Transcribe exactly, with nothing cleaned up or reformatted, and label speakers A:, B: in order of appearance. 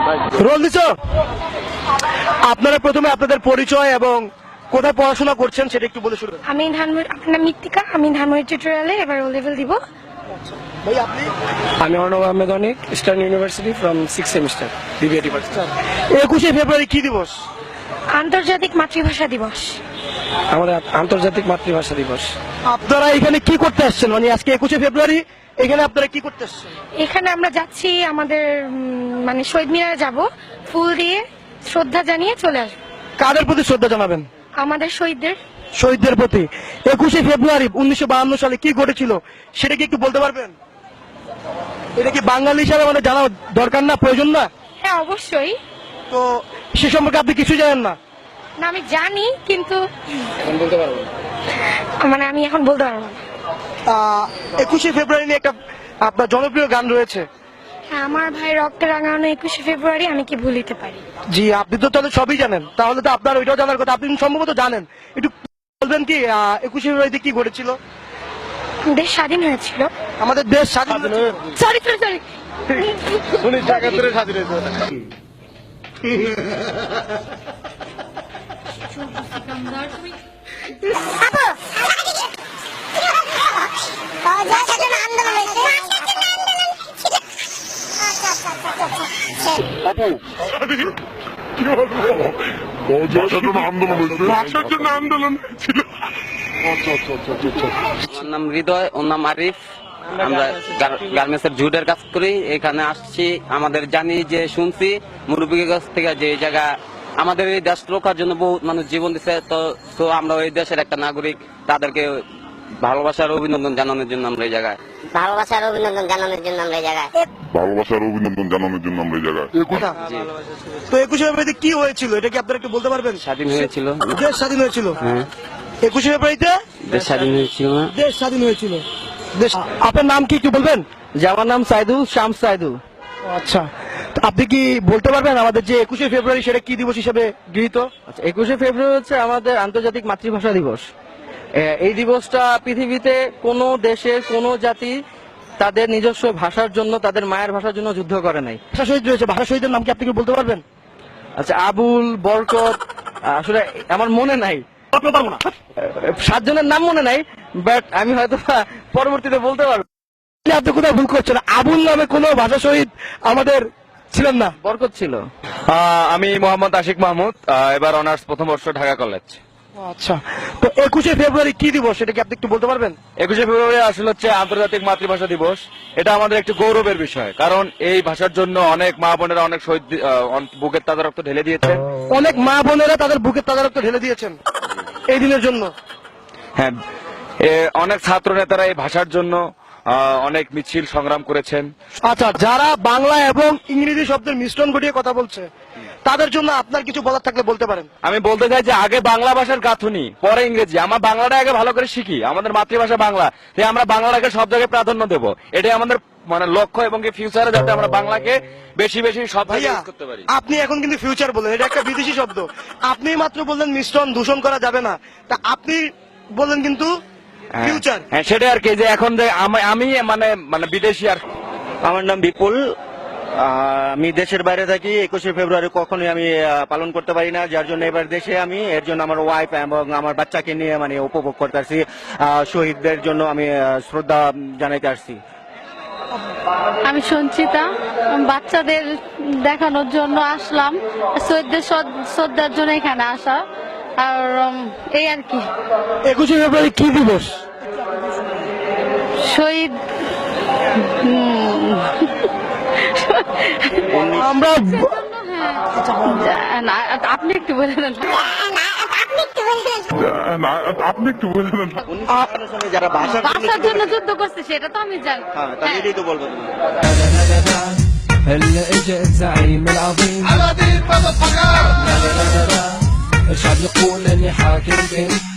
A: Role দিছো। আপনারা প্রথমে আপনাদের পরিচয় এবং কোথায় পড়াশোনা করছেন সেটা একটু বলে শুরু করুন।
B: আমি ধানমন্ডি, আপনার মৃত্তিকা, আমি ধানমন্ডি টিউটোরিয়ালে এবার ও লেভেল দিব।
A: ভাই আপনি?
C: আমি Arnab Ahmed Anik, eastern university from six semester, BBA department.
A: একুশে ফেব্রুয়ারি কি দিবস?
B: আন্তর্জাতিক মাতৃভাষা দিবস।
C: আমাদের আন্তর্জাতিক মাতৃভাষা দিবস।
A: আপনারা এখানে কি করতে আসছেন, মানে আজকে একুশে ফেব্রুয়ারি এখানে আপনারা কি করতে আসছেন?
B: এখানে আমরা যাচ্ছি আমাদের উম, মানে শহীদ মিনারে যাব, ফুল দিয়ে শ্রদ্ধা জানিয়ে চলে আসবো।
A: কাদের প্রতি শ্রদ্ধা জানাবেন?
B: আমাদের শহীদদের।
A: শহীদদের প্রতি। একুশে ফেব্রুয়ারি উনিশশো বাহান্ন সালে কি ঘটেছিল সেটা কি একটু বলতে পারবেন? এটা কি বাঙালি হিসাবে মানে জানা দরকার না, প্রয়োজন না?
B: হ্যাঁ অবশ্যই।
A: তো সে সম্পর্কে আপনি কিছু জানেন না?
B: না আমি জানি, কিন্তু
C: এখন বলতে পারবো না।
B: মানে আমি এখন বলতে পারবো না।
A: আহ, একুশে ফেব্রুয়ারি নিয়ে একটা আপনার জনপ্রিয় গান রয়েছে।
B: হ্যাঁ, আমার ভাই রক্তে রাঙানো একুশে ফেব্রুয়ারি আমি কি ভুলিতে পারি।
A: জি, আপনি তো তাহলে সবই জানেন, তাহলে তো আপনার ওইটাও জানার কথা, আপনি সম্ভবত জানেন। একটু বলবেন কি আহ, একুশে ফেব্রুয়ারিতে কি ঘটেছিল?
B: দেশ স্বাধীন হয়েছিল।
A: আমাদের দেশ স্বাধীন হয়েছিল।
B: সরি সরি সরি
A: উনিশশো একাত্তরে স্বাধীন হয়েছিল।
D: ভাষার জন্য আন্দোলন ছিল।
E: আমার নাম হৃদয়, ওর নাম আরিফ। আমরা গার্মেন্টস এর জুডের কাজ করি। এখানে আসছি, আমাদের জানি যে শুনছি মুরব্বীর কাছ থেকে যে এই জায়গা আমাদের এই দেশ রক্ষার জন্য বহু মানুষ জীবন দিচ্ছে। তো তো আমরা ওই দেশের একটা নাগরিক, তাদেরকে ভালোবাসার অভিনন্দন জানানোর জন্য আমরা এই জায়গায়
F: ভালোবাসার অভিনন্দন জানানোর জন্য আমরা এই জায়গায়
D: ভালোবাসার অভিনন্দন জানানোর জন্য আমরা এই জায়গায়।
A: তো একুশে ফেব্রুয়ারিতে কি হয়েছিল এটা কি আপনারা একটু বলতে পারবেন?
E: স্বাধীন হয়েছিল।
A: দেশ স্বাধীন হয়েছিল।
E: হ্যাঁ,
A: একুশে ফেব্রুয়ারিতে
E: দেশ স্বাধীন হয়েছিল না?
A: দেশ স্বাধীন হয়েছিল। দেশ। আপনার নাম কি একটু বলবেন?
C: যে আমার নাম সাইদুল শামস সাইদুল।
A: আচ্ছা, তো আপনি কি বলতে পারবেন আমাদের যে একুশে ফেব্রুয়ারি সেটা কি দিবস হিসেবে গৃহীত?
C: আচ্ছা, একুশে ফেব্রুয়ারি হচ্ছে আমাদের আন্তর্জাতিক মাতৃভাষা দিবস। এ- এই দিবসটা পৃথিবীতে কোনো দেশের কোনো জাতি তাদের নিজস্ব ভাষার জন্য, তাদের মায়ের ভাষার জন্য যুদ্ধ করে নাই।
A: ভাষা শহীদ রয়েছে, ভাষা শহীদের নাম কি আপনি কি বলতে পারবেন?
C: আচ্ছা, আবুল, বরকত, আসলে আমার মনে নাই, সাতজনের নাম মনে নাই, বাট আমি হয়তো পরবর্তীতে বলতে পারবো।
A: আপনি কোথাও ভুল করছেন, আবুল নামে কোনো ভাষা শহীদ আমাদের ছিলেন না।
C: বরকত ছিল।
G: আমি মোহাম্মদ আশিক মাহমুদ, আহ, এবার অনার্স প্রথম বর্ষ, ঢাকা কলেজ।
A: আচ্ছা, তো একুশে ফেব্রুয়ারি কি দিবস এটা কি আপনি একটু বলতে পারবেন?
G: একুশে ফেব্রুয়ারি আসলে হচ্ছে আন্তর্জাতিক মাতৃভাষা দিবস। এটা আমাদের একটি গৌরবের বিষয়, কারণ এই ভাষার জন্য অনেক মা বোনেরা অনেক শহীদ আহ, অন- বুকের তাজা রক্ত ঢেলে দিয়েছেন।
A: অনেক মা বোনেরা তাদের বুকের তাজা রক্ত ঢেলে দিয়েছেন এই দিনের জন্য।
G: হ্যাঁ, এ, অনেক ছাত্র নেতারা এই ভাষার জন্য আহ, অনেক মিছিল সংগ্রাম করেছেন।
A: আচ্ছা, যারা বাংলা এবং ইংরেজি শব্দের মিশ্রণ ঘটিয়ে কথা বলছে তাদের জন্য আপনার কিছু বলার থাকলে বলতে পারেন।
G: আমি বলতে চাই যে আগে বাংলা ভাষার গাঁথুনি, পরে ইংরেজি। আমার বাংলাটা আগে ভালো করে শিখি, আমাদের মাতৃভাষা বাংলা, তাই আমরা বাংলাটাকে সব জায়গায় প্রাধান্য দেব। এটাই আমাদের মানে লক্ষ্য, এবং কি ফিউচারে যাতে আমরা বাংলাকে বেশি বেশি সব
A: ভাইয়া,
G: জায়গায় use করতে পারি।
A: আপনি এখন কিন্তু ফিউচার বলেন, এটা একটা বিদেশি শব্দ। আপনি মাত্র বললেন মিশ্রণ দূষণ করা যাবে না, তা আপনি বললেন কিন্তু
G: হ্যাঁ,
A: ফিউচার।
G: হ্যাঁ, সেটাই আর কি, যে এখন যে আমি আমি মানে মানে বিদেশি আর।
H: আমার নাম বিপুল, আহ, আমি দেশের বাইরে থাকি। একুশে ফেব্রুয়ারি কখনোই আমি আহ, পালন করতে পারি না, যার জন্য এবার দেশে আমি, এর জন্য আমার ওয়াইফ এবং আমার বাচ্চাকে নিয়ে মানে উপভোগ করতে আসছি। আহ, শহীদদের জন্য আমি আহ, শ্রদ্ধা জানাইতে আসছি।
I: আমি সঞ্চিতা, বাচ্চাদের দেখানোর জন্য আসলাম, শহীদদের শ্রদ্ধার জন্য এখানে আসা, আর উম, এই আর কি।
A: একুশে ফেব্রুয়ারি কি দিবস?
I: শহীদ উম,
A: আমরা
I: হ্যাঁ, না, আপনি একটু বলে দেন।
D: না, আপনি একটু বলে দেন।
H: যারা ভাষার
I: ভাষার জন্য যুদ্ধ করছে সেটা তো আমি জানি।
H: হ্যাঁ, তাহলে এটাই তো বলবো।
J: هلا اجا الزعيم العظيم الشعب يقول اني حاكم بين